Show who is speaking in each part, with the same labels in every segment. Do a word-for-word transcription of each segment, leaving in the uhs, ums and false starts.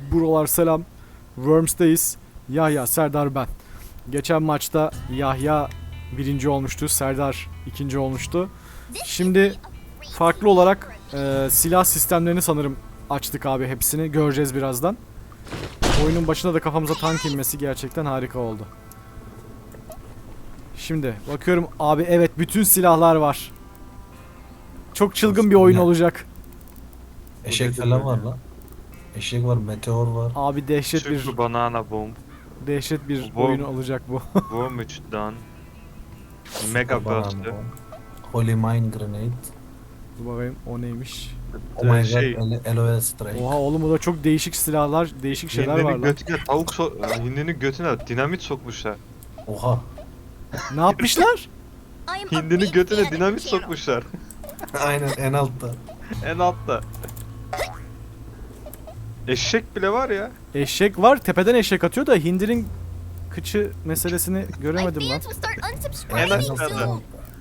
Speaker 1: Buralar selam. Worms'teyiz. Yahya, Serdar ben. Geçen maçta Yahya birinci olmuştu. Serdar ikinci olmuştu. Şimdi farklı olarak e, silah sistemlerini sanırım açtık abi hepsini. Göreceğiz birazdan. Oyunun başında da kafamıza tank inmesi gerçekten harika oldu. Şimdi bakıyorum abi, evet bütün silahlar var. Çok çılgın bir oyun olacak.
Speaker 2: Eşek falan var lan. Eşek var, meteor var.
Speaker 1: Abi dehşet bir
Speaker 3: Super banana bomb.
Speaker 1: dehşet bir
Speaker 3: Bomb.
Speaker 1: oyun olacak bu.
Speaker 3: Worm üç done. Mega
Speaker 2: Banana
Speaker 3: burst'ü.
Speaker 2: bomb. Holy Mine Grenade.
Speaker 1: Dur bakayım o neymiş.
Speaker 2: Oh my
Speaker 3: Şey-
Speaker 2: god, L- L O S Strike.
Speaker 1: Oha oğlum, bu da çok değişik silahlar, değişik şeyler var
Speaker 3: Hindinin
Speaker 1: lan.
Speaker 3: götüne tavuk so Hindinin götüne dinamit sokmuşlar.
Speaker 2: Oha.
Speaker 1: Ne yapmışlar?
Speaker 3: Hindinin götüne dinamit sokmuşlar.
Speaker 2: Aynen en altta.
Speaker 3: En altta. Eşek bile var ya.
Speaker 1: Eşek var, tepeden eşek atıyor da hindinin kıçı meselesini göremedim lan.
Speaker 3: En
Speaker 2: En
Speaker 3: aşağıda.
Speaker 2: altta.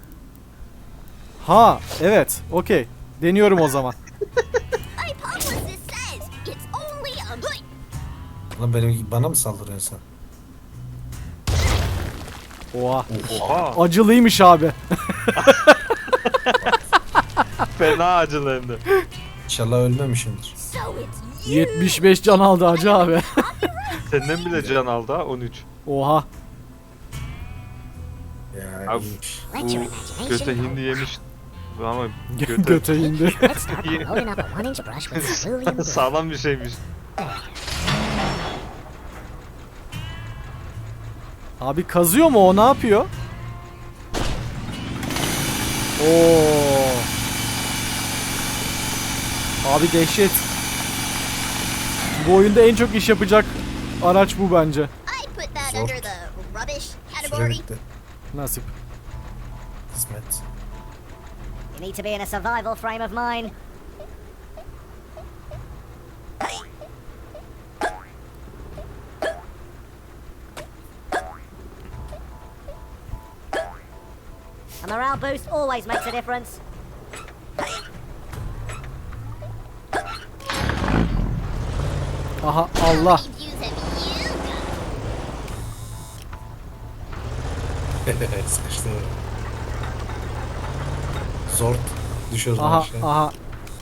Speaker 1: Ha evet, okey. Deniyorum o zaman.
Speaker 2: Lan benim, bana mı saldırıyorsun sen?
Speaker 1: Oha.
Speaker 3: Oha.
Speaker 1: Acılıymış abi.
Speaker 3: Fena acılı hem de.
Speaker 2: İnşallah ölmemişimdir.
Speaker 1: yetmiş beş can aldı acı abi.
Speaker 3: Senden bile can aldı ha on üç.
Speaker 1: Oha.
Speaker 2: Ya
Speaker 3: Abi,
Speaker 2: iyiymiş.
Speaker 3: Bu göte hindi yemiş. Ama göte
Speaker 1: Göte indi.
Speaker 3: sağlam bir şeymiş.
Speaker 1: Abi kazıyor mu o, ne yapıyor? Oo. Abi dehşet. Bu oyunda en çok iş yapacak araç bu bence.
Speaker 2: Süre bitti.
Speaker 1: Nasip.
Speaker 2: Kısmet.
Speaker 4: You need to be in a survival frame of mind. A morale boost always makes a difference.
Speaker 1: Aha Allah.
Speaker 2: Sıkıştı. Zor düşüyoruz
Speaker 1: Aha
Speaker 2: aşağı.
Speaker 1: aha.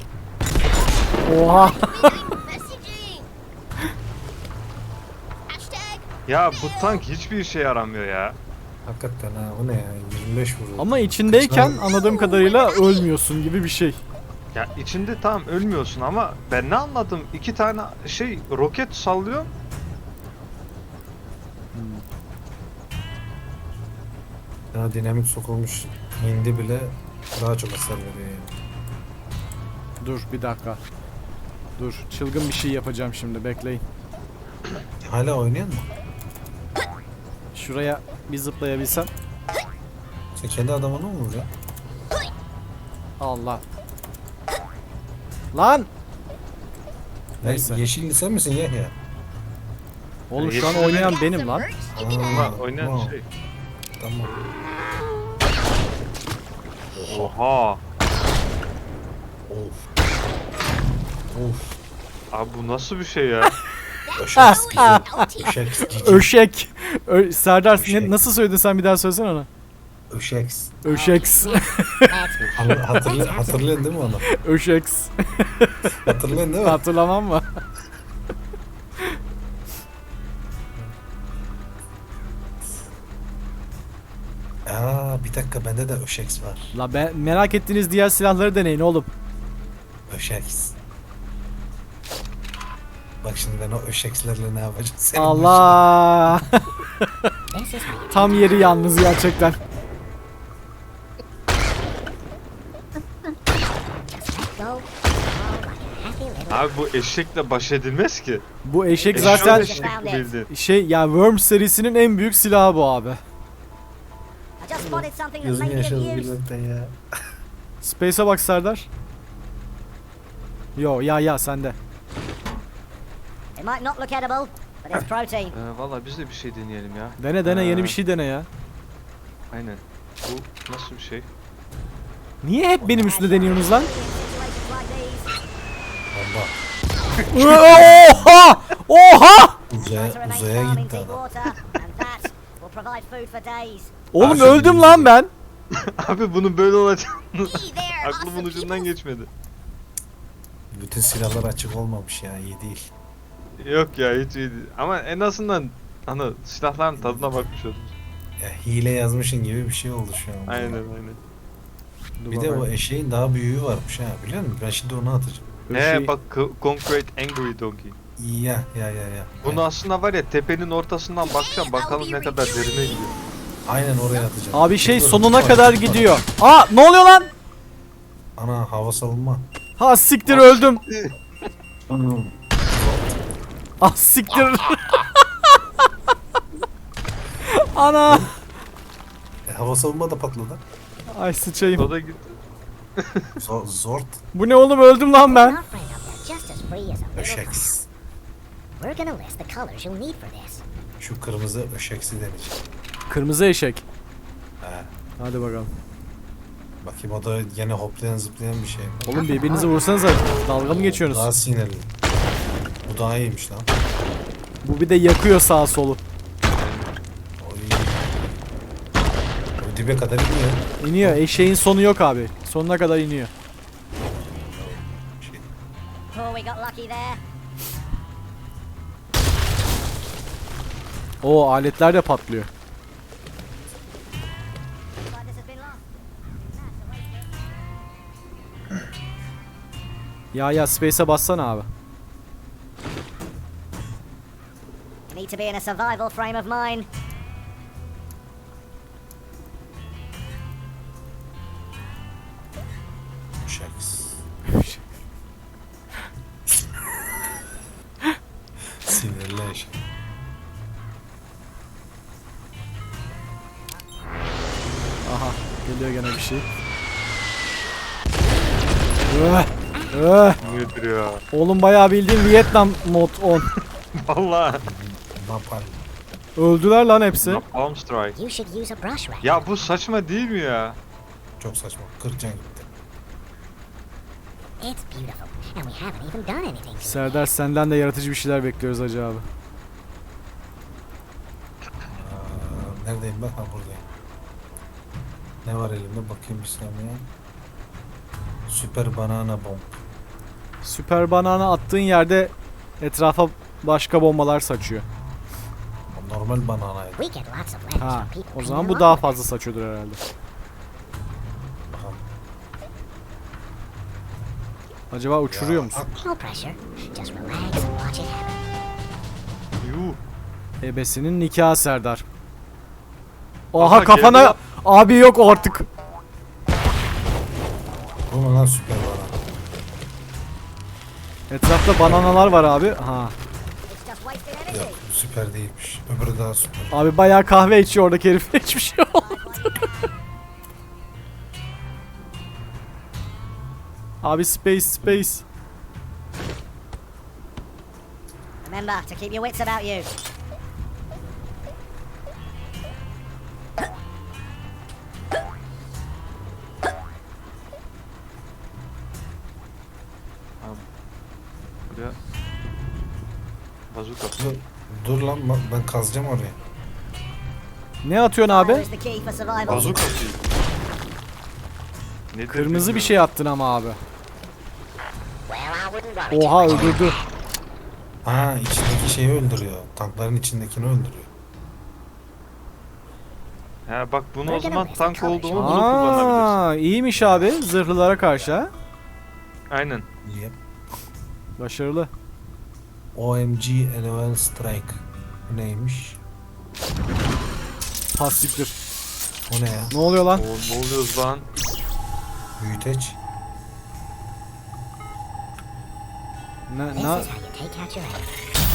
Speaker 1: Oha.
Speaker 3: Ya bu tank hiçbir işe yaramıyor ya.
Speaker 2: Hakikaten ha, o ne ya, yirmi beş vuruyor.
Speaker 1: Ama içindeyken anladığım kadarıyla ölmüyorsun gibi bir şey.
Speaker 3: Ya içinde tamam ölmüyorsun ama ben ne anladım? İki tane şey roket sallıyor.
Speaker 2: Ya dinamit sokulmuş hindi bile daha çok hasar veriyor yani.
Speaker 1: Dur bir dakika. Dur, çılgın bir şey yapacağım şimdi, bekleyin.
Speaker 2: Hala oynayan mı?
Speaker 1: Şuraya bir zıplayabilsem.
Speaker 2: Sen kendi adamını mı vuruyorsun?
Speaker 1: Allah. Lan!
Speaker 2: Neyse.
Speaker 1: Neyse.
Speaker 2: Yeşilli sen misin Yahya?
Speaker 1: Oğlum şu an
Speaker 3: Yeşil
Speaker 1: oynayan benim lan.
Speaker 3: Ama oynayan
Speaker 2: tamam.
Speaker 3: şey.
Speaker 2: Tamam.
Speaker 3: Oha.
Speaker 2: Of. Of.
Speaker 3: Abi bu nasıl bir şey ya?
Speaker 2: Öşek güzel. Öşek cici.
Speaker 1: Öşek. Ö Serdar
Speaker 2: Öşek.
Speaker 1: ne, nasıl söyledin sen, bir daha söylesene onu.
Speaker 2: Öşeks.
Speaker 1: Öşeks.
Speaker 2: Hatırlıyor, hatırlıyor, hatırlıyorsun değil mi onu?
Speaker 1: Öşeks.
Speaker 2: Hatırlıyorsun değil mi?
Speaker 1: Hatırlamam mı?
Speaker 2: Aa, bir dakika, bende de Öşeks var.
Speaker 1: La be, merak ettiğiniz diğer silahları deneyin oğlum.
Speaker 2: Öşeks. Bak şimdi ben o Öşekslerle ne yapacağım? Senin
Speaker 1: Allah. Tam yeri yalnız gerçekten.
Speaker 4: Go.
Speaker 3: Abi bu eşekle baş edilmez ki.
Speaker 1: Bu eşek
Speaker 3: Eşek
Speaker 1: zaten
Speaker 3: eşek bildi.
Speaker 1: şey ya, Worm serisinin en büyük silahı bu abi.
Speaker 4: I just spotted something that
Speaker 2: Gözüm
Speaker 4: may be
Speaker 2: yaşadı
Speaker 4: of use.
Speaker 2: gülmekten ya.
Speaker 1: Space'e bak Serdar. Yo ya ya sende.
Speaker 4: It might not look edible, but it's protein.
Speaker 3: Ee, Valla biz de bir şey deneyelim ya.
Speaker 1: Dene dene, yeni
Speaker 3: Ee,
Speaker 1: bir şey dene ya.
Speaker 3: Aynen. Bu nasıl bir şey?
Speaker 1: Niye hep benim üstüne deniyorsunuz lan?
Speaker 4: Situations like these,
Speaker 2: Bomba.
Speaker 1: Oha! Oha!
Speaker 2: Uzaya,
Speaker 4: Try to remain
Speaker 2: uzaya
Speaker 4: calm in
Speaker 2: gitti
Speaker 4: deep
Speaker 2: adam.
Speaker 4: water, and that will provide food for days.
Speaker 1: Oğlum
Speaker 2: Abi,
Speaker 1: öldüm lan ben.
Speaker 3: Abi bunun böyle olacağını
Speaker 5: Hey there,
Speaker 3: aklımın
Speaker 5: awesome
Speaker 3: ucundan
Speaker 5: people.
Speaker 3: geçmedi.
Speaker 2: Bütün silahlar açık olmamış ya, iyi değil.
Speaker 3: Yok ya hiç iyi değil. Ama en azından hani silahların tadına bakmış oldum.
Speaker 2: Ya hile yazmışın gibi bir şey oldu şu an.
Speaker 3: Aynen aynen.
Speaker 1: Dur
Speaker 2: Bir de
Speaker 1: bakayım.
Speaker 2: o eşeğin daha büyüğü varmış ha, biliyor musun? Ben şimdi onu atacağım.
Speaker 1: Böyle
Speaker 3: He
Speaker 1: şey-
Speaker 3: bak Co- Concrete Angry Donkey.
Speaker 2: Ya ya ya ya.
Speaker 3: Bunu aslında var ya tepenin ortasından bakacağım bakalım ne kadar derine gidiyor.
Speaker 2: Aynen oraya atacağım.
Speaker 1: Abi şey
Speaker 2: Dur,
Speaker 1: sonuna
Speaker 2: dur,
Speaker 1: kadar
Speaker 2: dur.
Speaker 1: gidiyor. Aa ne oluyor lan?
Speaker 2: Ana hava savunma.
Speaker 1: Ha siktir öldüm. Ah siktir. Ana.
Speaker 2: E, hava savunma da patladı.
Speaker 1: Ay sıçayım.
Speaker 3: O da gitti.
Speaker 2: Zor, zort.
Speaker 1: Bu ne oğlum öldüm lan ben.
Speaker 4: Our friend up there just as free as a little
Speaker 2: Öşek.
Speaker 4: fox. We're gonna list the colors you'll need for this.
Speaker 2: Şu kırmızı öşeksi deneyecek.
Speaker 1: Kırmızı eşek.
Speaker 2: He.
Speaker 1: Hadi bakalım.
Speaker 2: Bakayım o da yine hoplayan zıplayan bir şey.
Speaker 1: Oğlum birbirinizi vursanıza. Dalga mı
Speaker 2: Daha
Speaker 1: geçiyorsunuz?
Speaker 2: sinirli. Bu daha iyiymiş lan.
Speaker 1: Bu bir de yakıyor sağ solu.
Speaker 2: Oy. O dibe kadar iniyor.
Speaker 1: İniyor. Eşeğin sonu yok abi. Sonuna kadar iniyor.
Speaker 2: Şey.
Speaker 4: Oh, we got lucky there.
Speaker 1: O aletler de patlıyor.
Speaker 4: Looks like this has been lost.
Speaker 1: Ya ya space'e bassana abi.
Speaker 4: You need to be in a survival frame of mind.
Speaker 2: Öşeks. Sinirli eşek.
Speaker 1: Aha geliyor gene bir şey. Öh, öh.
Speaker 3: Nedir ya?
Speaker 1: Oğlum bayağı bildiğin Vietnam mod on.
Speaker 3: Vallahi.
Speaker 2: Napalm.
Speaker 1: Öldüler lan hepsi.
Speaker 3: Napalm Strike.
Speaker 4: You should use a brush rack.
Speaker 3: Ya bu saçma değil mi ya?
Speaker 2: Çok saçma. kırk can gitti.
Speaker 4: It's beautiful, and we haven't even done anything to it.
Speaker 1: Serdar senden de yaratıcı bir şeyler bekliyoruz hacı abi.
Speaker 2: Aa, neredeyim ben? Ha buradayım. Ne var elimde? Bakayım bir saniye. Süper banana bomb.
Speaker 1: Süper banana attığın yerde etrafa başka bombalar saçıyor.
Speaker 2: O normal bananaydı.
Speaker 4: We get lots of letters
Speaker 1: Ha,
Speaker 4: from people
Speaker 1: o
Speaker 4: playing
Speaker 1: zaman bu
Speaker 4: along
Speaker 1: daha
Speaker 4: with
Speaker 1: fazla
Speaker 4: us.
Speaker 1: saçıyordur herhalde.
Speaker 2: Bakalım.
Speaker 1: Acaba uçuruyor
Speaker 2: Ya,
Speaker 1: musun?
Speaker 4: No pressure. Just relax and watch it happen.
Speaker 3: Yuh.
Speaker 1: Ebesinin nikahı Serdar. Aha,
Speaker 3: Aha,
Speaker 1: kafana
Speaker 3: geldi
Speaker 1: abi yok artık.
Speaker 2: Bu mu lan süper banana?
Speaker 1: Etrafta bananalar var abi. Ha.
Speaker 4: It's just wasted energy.
Speaker 2: Yok süper değilmiş. Öbürü daha süper.
Speaker 1: Abi bayağı kahve içiyor oradaki herif. Hiçbir şey olmadı. Abi space space.
Speaker 4: Remember to keep your wits about you.
Speaker 3: Buraya. Bazuka.
Speaker 2: Dur, dur lan bak ben kazacağım oraya.
Speaker 1: Ne atıyorsun
Speaker 4: Fire
Speaker 1: abi?
Speaker 4: is the key for survival.
Speaker 3: Bazuka değil. Nedir
Speaker 1: Kırmızı bir
Speaker 3: bilmiyorum.
Speaker 1: şey attın ama abi.
Speaker 4: Well, I wouldn't worry too
Speaker 1: Oha
Speaker 4: much.
Speaker 1: öldürdü.
Speaker 2: Ha içindeki şeyi öldürüyor. Tankların içindekini öldürüyor.
Speaker 3: He bak bunu o
Speaker 4: We're
Speaker 3: zaman
Speaker 4: gonna
Speaker 3: tank
Speaker 4: miss the
Speaker 3: olduğumu
Speaker 4: colors.
Speaker 3: bunu kullanabilirsin.
Speaker 1: Aa, iyiymiş abi zırhlılara karşı ha.
Speaker 3: Aynen.
Speaker 2: Yep.
Speaker 1: Başarılı.
Speaker 2: O M G Eleven Strike. Bu neymiş?
Speaker 1: Pastiktir.
Speaker 2: O ne ya?
Speaker 1: Ne oluyor lan?
Speaker 3: O, ne oluyoruz lan?
Speaker 2: Büyüteç.
Speaker 1: Ne,
Speaker 4: This
Speaker 1: ne?
Speaker 4: is how you take out your enemy.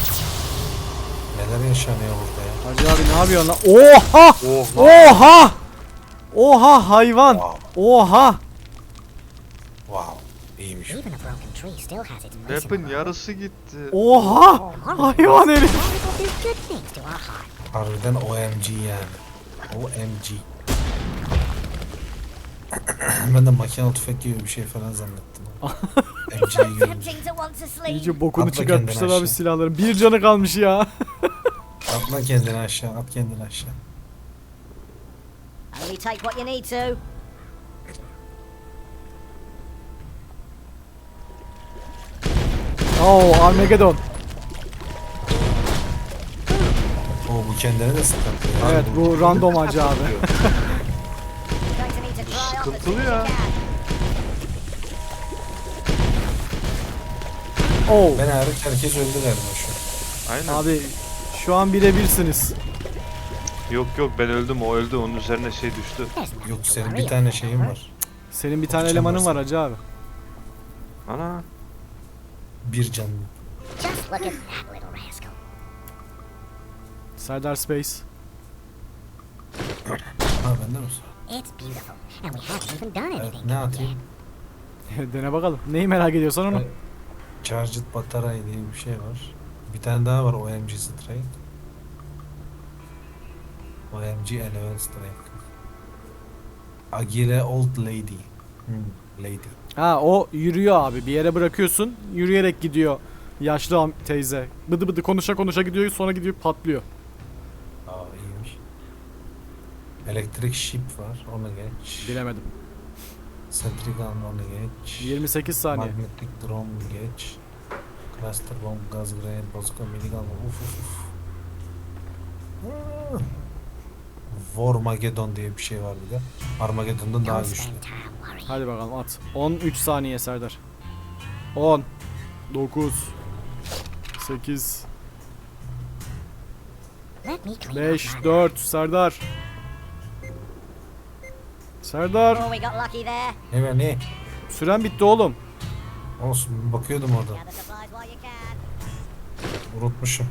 Speaker 2: Neler yaşanıyor burada ya?
Speaker 1: Hacı abi ne yapıyorsun lan? Oha!
Speaker 3: Oh lan.
Speaker 1: Oha! Oha hayvan!
Speaker 2: Wow.
Speaker 1: Oha!
Speaker 2: Wow. İyiymiş.
Speaker 4: Even a broken tree still has its place in
Speaker 3: Weapon
Speaker 4: the world.
Speaker 3: yarısı gitti.
Speaker 1: Oha! Hayvan herif!
Speaker 4: Magical do good things to our heart.
Speaker 2: Harbiden O M G yani. O M G. Ben de makinalı tüfek gibi bir şey falan zannettim. M C'yi görünce.
Speaker 4: Tempting to want to sleep.
Speaker 1: İyice bokunu
Speaker 2: Atla
Speaker 1: çıkartmışlar
Speaker 2: kendini
Speaker 1: abi
Speaker 2: aşağı.
Speaker 1: silahların. Bir canı kalmış ya.
Speaker 2: Atla kendini aşağı, at kendini aşağı.
Speaker 4: Only take what you need to.
Speaker 1: Oo Armageddon.
Speaker 2: Oo bu kendine de sıkıntı. ya.
Speaker 1: Evet bu random acı abi.
Speaker 4: You're going to need to dry off as soon
Speaker 3: Sıkıntılı
Speaker 4: as
Speaker 3: ya.
Speaker 4: you can.
Speaker 1: Oo.
Speaker 2: Ben hariç herkes öldü galiba şu an.
Speaker 3: Aynen.
Speaker 1: Abi şu an birebirsiniz.
Speaker 3: Yok yok ben öldüm, o öldü, onun üzerine şey düştü.
Speaker 4: There's nothing
Speaker 2: Yok
Speaker 4: to
Speaker 2: senin
Speaker 4: worry
Speaker 2: bir tane
Speaker 4: about,
Speaker 2: şeyin
Speaker 4: Robert.
Speaker 2: var.
Speaker 1: Senin bir tane
Speaker 2: Bakacağım
Speaker 1: elemanın var
Speaker 2: varsa.
Speaker 1: hacı abi.
Speaker 3: Ana.
Speaker 2: Bir canlı.
Speaker 4: Just look at that little rascal.
Speaker 1: Serdar Space.
Speaker 2: Ha bende mi sıra?
Speaker 4: It's beautiful, and we haven't even done
Speaker 2: Evet,
Speaker 4: anything
Speaker 2: ne
Speaker 4: to it
Speaker 2: atayım?
Speaker 4: yet.
Speaker 1: Dene bakalım. Neyi merak ediyorsan onu.
Speaker 2: Evet. Charged Batarya diye bir şey var. Bir tane daha var O M G Strike. O M G Eleven Strike. Agile Old Lady. Hmm, lady.
Speaker 1: Ha o yürüyor abi. Bir yere bırakıyorsun. Yürüyerek gidiyor. Yaşlı am- teyze. Bıdı bıdı konuşa konuşa gidiyor. Sonra gidiyor patlıyor.
Speaker 2: Aa iyiymiş. Electric Ship var. Onu geç.
Speaker 1: Bilemedim.
Speaker 2: Centric Gun onu geç.
Speaker 1: yirmi sekiz saniye.
Speaker 2: Magnetic Drone geç. Cluster Bomb, Gaz Grenade, Bazooka, Minigun. Uf uf uf. Ah. Warmageddon diye bir şey var bir de. Armageddon'dan daha
Speaker 4: Don't
Speaker 2: güçlü.
Speaker 4: spend time worrying.
Speaker 1: Hadi bakalım at. on üç saniye Serdar. on dokuz sekiz
Speaker 4: Let me clean
Speaker 1: beş
Speaker 4: up my
Speaker 1: dört Serdar. Serdar.
Speaker 4: Oh, we got lucky there.
Speaker 2: Ne be ne?
Speaker 1: Süren bitti oğlum.
Speaker 2: Olsun bakıyordum orada.
Speaker 4: Gather supplies while you can.
Speaker 2: Unutmuşum.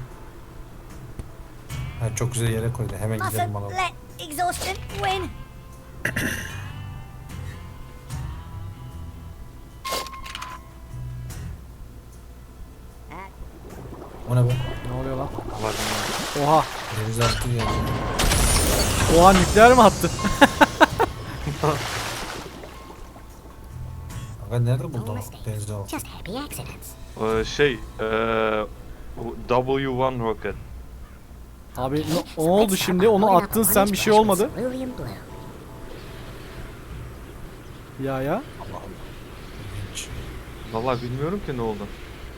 Speaker 2: Ha, çok güzel yere koydu. Hemen gidelim
Speaker 4: Mustn't
Speaker 2: alalım.
Speaker 4: let exhaustion win.
Speaker 2: O ne be?
Speaker 1: Ne oluyor lan?
Speaker 3: Allah bilmiyorum.
Speaker 1: Oha.
Speaker 2: Denizaltı geldi.
Speaker 1: Oha nükleer mi attı?
Speaker 2: Aga nerede
Speaker 4: No
Speaker 2: buldun
Speaker 4: mistakes.
Speaker 2: denizaltı?
Speaker 4: Just happy accidents.
Speaker 3: Ee, şey, eee W bir rocket.
Speaker 1: Abi ne, ne oldu şimdi? Onu attın sen bir şey olmadı.
Speaker 4: Cerulean blue.
Speaker 1: Ya ya.
Speaker 2: Hiç.
Speaker 3: Vallahi bilmiyorum ki ne oldu.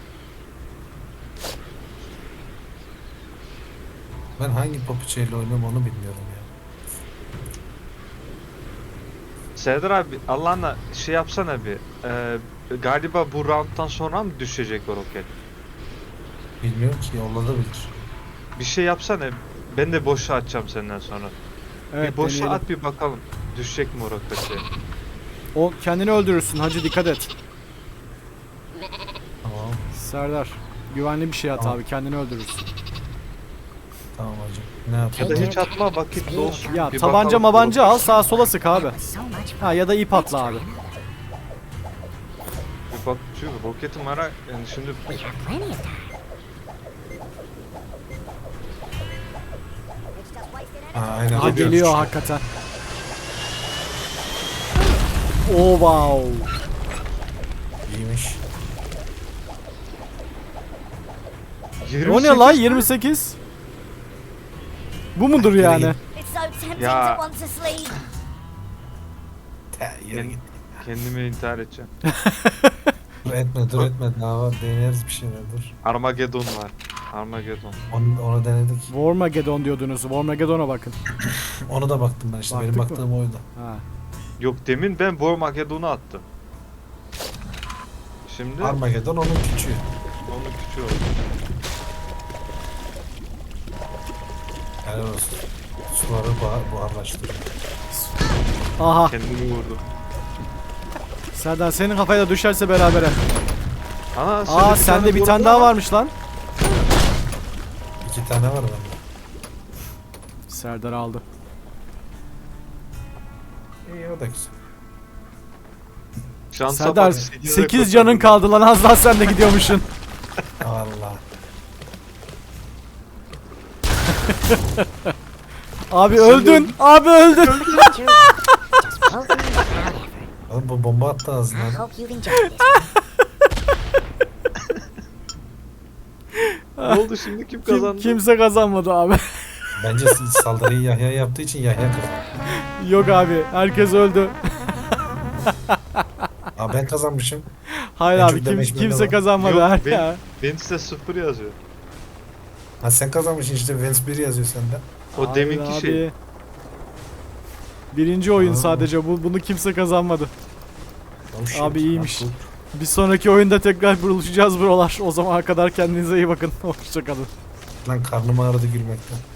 Speaker 2: Ben hangi papuçayla oynuyorum onu bilmiyorum ya.
Speaker 3: Serdar abi Allah'ına şey yapsana bir. Eee galiba bu round'dan sonra mı düşecek o roket?
Speaker 2: Bilmiyorum ki yolladabilir.
Speaker 3: Bir şey yapsana. Ben de boşa atacağım senden sonra.
Speaker 1: Evet
Speaker 3: bir boşa
Speaker 1: deneyelim.
Speaker 3: at bir bakalım. Düşecek mi o roket diye.
Speaker 1: O kendini öldürürsün hacı dikkat et.
Speaker 2: Tamam.
Speaker 1: Serdar. Güvenli bir şey at
Speaker 2: Tamam.
Speaker 1: abi kendini öldürürsün.
Speaker 2: Tamam hacım. Ne
Speaker 3: Ya
Speaker 2: yapayım?
Speaker 3: da hiç atma vakit dolsun.
Speaker 1: Ya
Speaker 3: Bir
Speaker 1: tabanca
Speaker 3: bakalım.
Speaker 1: mabanca al sağa sola sık abi.
Speaker 4: So much fun.
Speaker 1: Ha ya da ip atla abi.
Speaker 3: Bir bak şu roketim var ha, yani şimdi
Speaker 4: We have plenty of time. It's just wasted
Speaker 2: Ha,
Speaker 4: energy.
Speaker 2: aynen.
Speaker 1: Ha
Speaker 2: Geliyor.
Speaker 1: geliyor hakikaten. Oh wow.
Speaker 2: İyiymiş.
Speaker 1: O ne la yirmi sekiz? Bu mudur yani?
Speaker 4: It's so tempting
Speaker 3: Ya.
Speaker 4: to want to sleep.
Speaker 2: Te, yürü
Speaker 3: Ben
Speaker 2: git.
Speaker 3: kendimi intihar edeceğim.
Speaker 2: Dur etme dur etme. Daha var. Deneriz bir şeyler dur.
Speaker 3: Armageddon var. Armageddon.
Speaker 2: Onu, onu denedik.
Speaker 1: Warmageddon diyordunuz. Warmageddon'a bakın.
Speaker 2: Onu da baktım ben işte.
Speaker 1: Baktık
Speaker 2: Benim
Speaker 1: mı?
Speaker 2: baktığım oydu.
Speaker 1: Ha.
Speaker 3: Yok demin ben Armageddon'u attım. Şimdi
Speaker 2: Armageddon onun küçüğü.
Speaker 3: onun küçüğü oldu.
Speaker 2: Helal olsun. Suları buhar, buharlaştırıyor.
Speaker 1: Aha.
Speaker 3: Kendimi vurdu.
Speaker 1: Serdar senin kafaya da düşerse berabere.
Speaker 3: Ana
Speaker 1: Aa
Speaker 3: sende
Speaker 1: sende bir
Speaker 3: boru
Speaker 1: tane
Speaker 3: var.
Speaker 1: daha varmış lan.
Speaker 2: İki tane var bende.
Speaker 1: Serdar aldı.
Speaker 2: İyi o da güzel.
Speaker 3: Şansa
Speaker 1: Serdar
Speaker 3: bak, sekize
Speaker 1: sekiz canın
Speaker 3: kurtardım.
Speaker 1: kaldı lan az daha sen de gidiyormuşsun.
Speaker 2: Allah.
Speaker 1: Abi öldün. Abi öldün.
Speaker 4: Just floating without
Speaker 2: Oğlum bu bomba attı
Speaker 4: I
Speaker 2: ağzına.
Speaker 4: hope you've enjoyed this one.
Speaker 3: Ne oldu şimdi, kim
Speaker 1: Kim,
Speaker 3: kazandı?
Speaker 1: kimse kazanmadı abi.
Speaker 2: Bence saldırıyı Yahya yaptığı için Yahya kazandı.
Speaker 1: Yok abi, herkes öldü.
Speaker 2: Aa ben kazanmışım.
Speaker 1: Hayır
Speaker 2: En
Speaker 1: abi,
Speaker 2: çok
Speaker 1: kim,
Speaker 2: demeç bende
Speaker 1: kimse
Speaker 2: var.
Speaker 1: kazanmadı.
Speaker 3: Yok,
Speaker 1: ha.
Speaker 3: ben- Ventis'te sıfır yazıyor.
Speaker 2: Ha sen kazanmışsın işte. Vance bir yazıyor sende.
Speaker 3: O
Speaker 1: Hayır
Speaker 3: deminki
Speaker 1: abi.
Speaker 3: şey.
Speaker 1: Birinci oyun
Speaker 2: Aa.
Speaker 1: sadece. Bu, bunu kimse kazanmadı.
Speaker 2: Oh shit.
Speaker 1: Abi iyiymiş.
Speaker 2: Ha,
Speaker 1: Bir sonraki oyunda tekrar buluşacağız buralar. O zamana kadar kendinize iyi bakın. Hoşçakalın.
Speaker 2: Lan karnım ağrıdı gülmekten.